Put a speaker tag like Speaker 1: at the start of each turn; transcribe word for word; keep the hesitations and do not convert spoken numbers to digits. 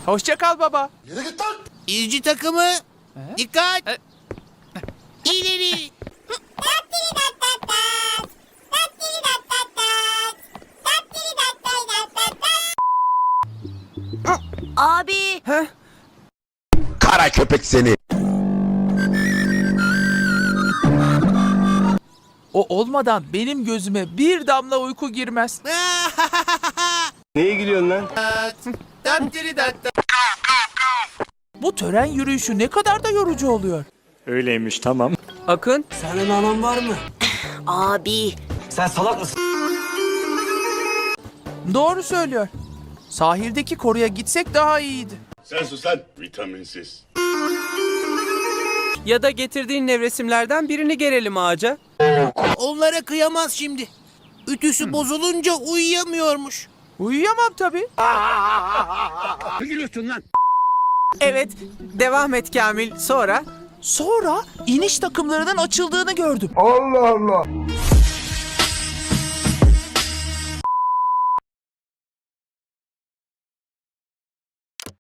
Speaker 1: Hoşça kal baba.
Speaker 2: Yürü git lan.
Speaker 3: İzci takımı. Dikkat. İleri.
Speaker 4: Abi.
Speaker 2: Kara köpek seni.
Speaker 1: O olmadan benim gözüme bir damla uyku girmez.
Speaker 5: Neye gülüyorsun lan?
Speaker 1: Bu tören yürüyüşü ne kadar da yorucu oluyor.
Speaker 6: Öyleymiş, tamam.
Speaker 7: Akın,
Speaker 5: Senin anan var mı?
Speaker 4: Abi.
Speaker 5: Sen salak mısın?
Speaker 1: Doğru söylüyor. Sahildeki koruya gitsek daha iyiydi.
Speaker 2: Sen sus lan. Vitaminsiz.
Speaker 7: ya da getirdiğin nevresimlerden birini gerelim ağaca.
Speaker 3: Onlara kıyamaz şimdi. Ütüsü bozulunca uyuyamıyormuş.
Speaker 1: Uyuyamam tabii.
Speaker 7: Evet, devam et Kamil. Sonra?
Speaker 1: Sonra iniş takımlarının açıldığını gördüm.
Speaker 2: Allah Allah.